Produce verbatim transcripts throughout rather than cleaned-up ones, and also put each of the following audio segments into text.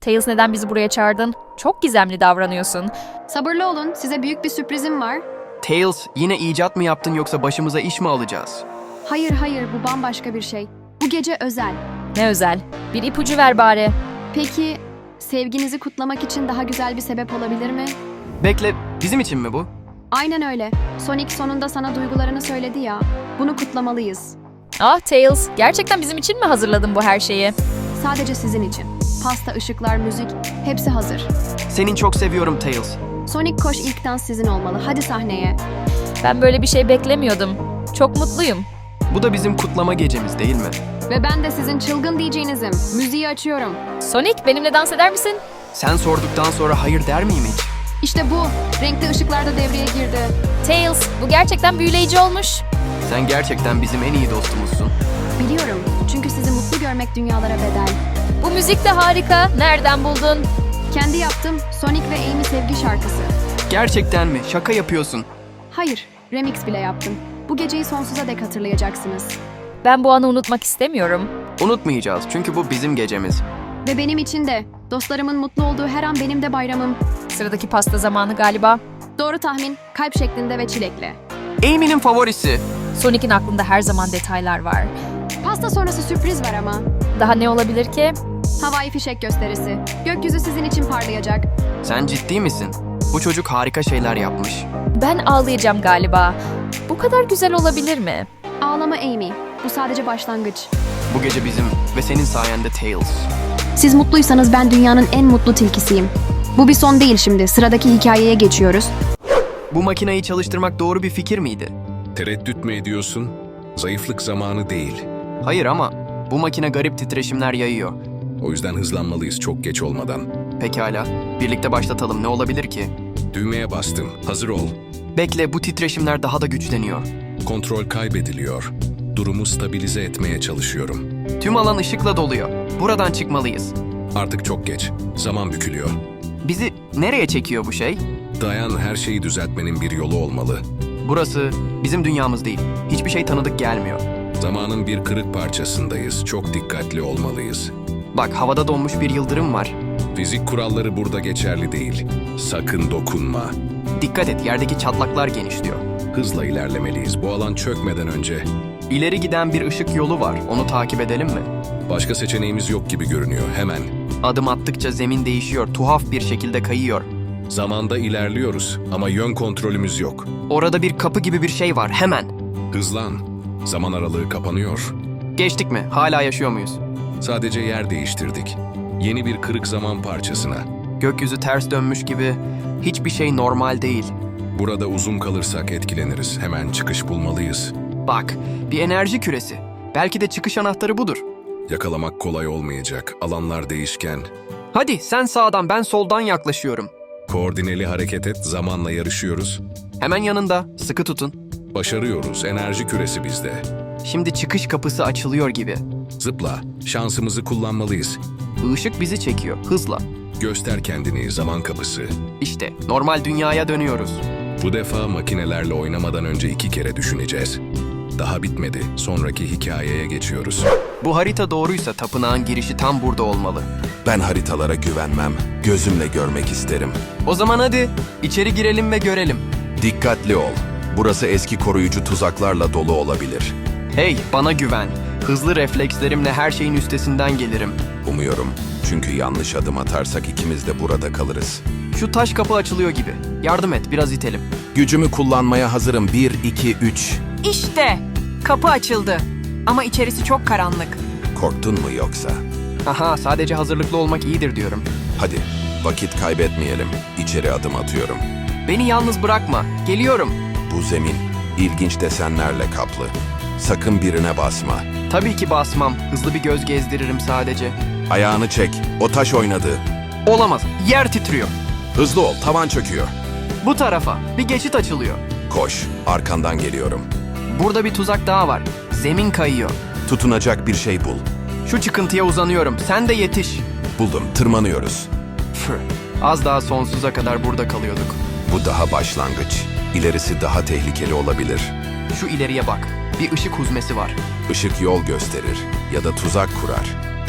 Tails, neden bizi buraya çağırdın? Çok gizemli davranıyorsun. Sabırlı olun, size büyük bir sürprizim var. Tails, yine icat mı yaptın yoksa başımıza iş mi alacağız? Hayır hayır, bu bambaşka bir şey. Bu gece özel. Ne özel? Bir ipucu ver bari. Peki, sevginizi kutlamak için daha güzel bir sebep olabilir mi? Bekle, bizim için mi bu? Aynen öyle. Sonic sonunda sana duygularını söyledi ya. Bunu kutlamalıyız. Ah Tails, gerçekten bizim için mi hazırladın bu her şeyi? Sadece sizin için. Pasta, ışıklar, müzik, hepsi hazır. Senin çok seviyorum Tails. Sonic koş, ilk dans sizin olmalı. Hadi sahneye. Ben böyle bir şey beklemiyordum. Çok mutluyum. Bu da bizim kutlama gecemiz değil mi? Ve ben de sizin çılgın D J'nizim. Müziği açıyorum. Sonic, benimle dans eder misin? Sen sorduktan sonra hayır der miyim hiç? İşte bu. Renkli ışıklar da devreye girdi. Tails, bu gerçekten büyüleyici olmuş. Sen gerçekten bizim en iyi dostumuzsun. Biliyorum. Çünkü sizi mutlu görmek dünyalara bedel. Bu müzik de harika. Nereden buldun? Kendi yaptım. Sonic ve Amy sevgi şarkısı. Gerçekten mi? Şaka yapıyorsun. Hayır, remix bile yaptım. Bu geceyi sonsuza dek hatırlayacaksınız. Ben bu anı unutmak istemiyorum. Unutmayacağız çünkü bu bizim gecemiz. Ve benim için de. Dostlarımın mutlu olduğu her an benim de bayramım. Sıradaki pasta zamanı galiba. Doğru tahmin, kalp şeklinde ve çilekli. Amy'nin favorisi. Sonic'in aklında her zaman detaylar var. Pasta sonrası sürpriz var ama. Daha ne olabilir ki? Havai fişek gösterisi. Gökyüzü sizin için parlayacak. Sen ciddi misin? Bu çocuk harika şeyler yapmış. Ben ağlayacağım galiba. Bu kadar güzel olabilir mi? Ağlama Amy. Bu sadece başlangıç. Bu gece bizim ve senin sayende Tails. Siz mutluysanız ben dünyanın en mutlu tilkisiyim. Bu bir son değil şimdi. Sıradaki hikayeye geçiyoruz. Bu makineyi çalıştırmak doğru bir fikir miydi? Tereddüt mü ediyorsun? Zayıflık zamanı değil. Hayır ama bu makine garip titreşimler yayıyor. O yüzden hızlanmalıyız çok geç olmadan. Pekala, birlikte başlatalım. Ne olabilir ki? Düğmeye bastım. Hazır ol. Bekle, bu titreşimler daha da güçleniyor. Kontrol kaybediliyor. Durumu stabilize etmeye çalışıyorum. Tüm alan ışıkla doluyor. Buradan çıkmalıyız. Artık çok geç. Zaman bükülüyor. Bizi nereye çekiyor bu şey? Dayan, her şeyi düzeltmenin bir yolu olmalı. Burası bizim dünyamız değil. Hiçbir şey tanıdık gelmiyor. Zamanın bir kırık parçasındayız. Çok dikkatli olmalıyız. Bak, havada donmuş bir yıldırım var. Fizik kuralları burada geçerli değil. Sakın dokunma. Dikkat et, yerdeki çatlaklar genişliyor. Hızla ilerlemeliyiz. Bu alan çökmeden önce. İleri giden bir ışık yolu var. Onu takip edelim mi? Başka seçeneğimiz yok gibi görünüyor. Hemen. Adım attıkça zemin değişiyor. Tuhaf bir şekilde kayıyor. Zamanda ilerliyoruz ama yön kontrolümüz yok. Orada bir kapı gibi bir şey var. Hemen. Hızlan. Zaman aralığı kapanıyor. Geçtik mi? Hala yaşıyor muyuz? Sadece yer değiştirdik. Yeni bir kırık zaman parçasına. Gökyüzü ters dönmüş gibi. Hiçbir şey normal değil. Burada uzun kalırsak etkileniriz. Hemen çıkış bulmalıyız. Bak, bir enerji küresi. Belki de çıkış anahtarı budur. Yakalamak kolay olmayacak. Alanlar değişken. Hadi sen sağdan, ben soldan yaklaşıyorum. Koordineli hareket et. Zamanla yarışıyoruz. Hemen yanında. Sıkı tutun. Başarıyoruz. Enerji küresi bizde. Şimdi çıkış kapısı açılıyor gibi. Zıpla. Şansımızı kullanmalıyız. Işık bizi çekiyor. Hızla. Göster kendini, zaman kapısı. İşte normal dünyaya dönüyoruz. Bu defa makinelerle oynamadan önce iki kere düşüneceğiz. Daha bitmedi. Sonraki hikayeye geçiyoruz. Bu harita doğruysa tapınağın girişi tam burada olmalı. Ben haritalara güvenmem. Gözümle görmek isterim. O zaman hadi içeri girelim ve görelim. Dikkatli ol. Burası eski koruyucu tuzaklarla dolu olabilir. Hey, bana güven. Hızlı reflekslerimle her şeyin üstesinden gelirim. Umuyorum. Çünkü yanlış adım atarsak ikimiz de burada kalırız. Şu taş kapı açılıyor gibi. Yardım et, biraz itelim. Gücümü kullanmaya hazırım. Bir, iki, üç. İşte kapı açıldı. Ama içerisi çok karanlık. Korktun mu yoksa? Aha, sadece hazırlıklı olmak iyidir diyorum. Hadi, vakit kaybetmeyelim. İçeri adım atıyorum. Beni yalnız bırakma. Geliyorum. Bu zemin ilginç desenlerle kaplı. Sakın birine basma. Tabii ki basmam. Hızlı bir göz gezdiririm sadece. Ayağını çek. O taş oynadı. Olamaz. Yer titriyor. Hızlı ol. Tavan çöküyor. Bu tarafa. Bir geçit açılıyor. Koş. Arkandan geliyorum. Burada bir tuzak daha var. Zemin kayıyor. Tutunacak bir şey bul. Şu çıkıntıya uzanıyorum. Sen de yetiş. Buldum. Tırmanıyoruz. Püh. Az daha sonsuza kadar burada kalıyorduk. Bu daha başlangıç. İlerisi daha tehlikeli olabilir. Şu ileriye bak. Bir ışık huzmesi var. Işık yol gösterir ya da tuzak kurar.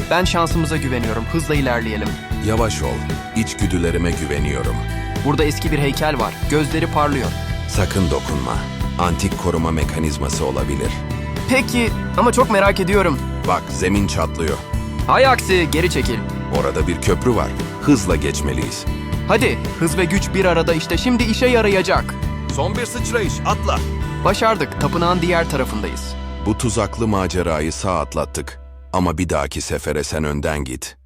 Ben şansımıza güveniyorum. Hızla ilerleyelim. Yavaş ol. İçgüdülerime güveniyorum. Burada eski bir heykel var. Gözleri parlıyor. Sakın dokunma. Antik koruma mekanizması olabilir. Peki ama çok merak ediyorum. Bak, zemin çatlıyor. Hay aksi, geri çekil. Orada bir köprü var. Hızla geçmeliyiz. Hadi, hız ve güç bir arada, işte şimdi işe yarayacak. Son bir sıçrayış, atla. Başardık, tapınağın diğer tarafındayız. Bu tuzaklı macerayı sağ atlattık. Ama bir dahaki sefere sen önden git.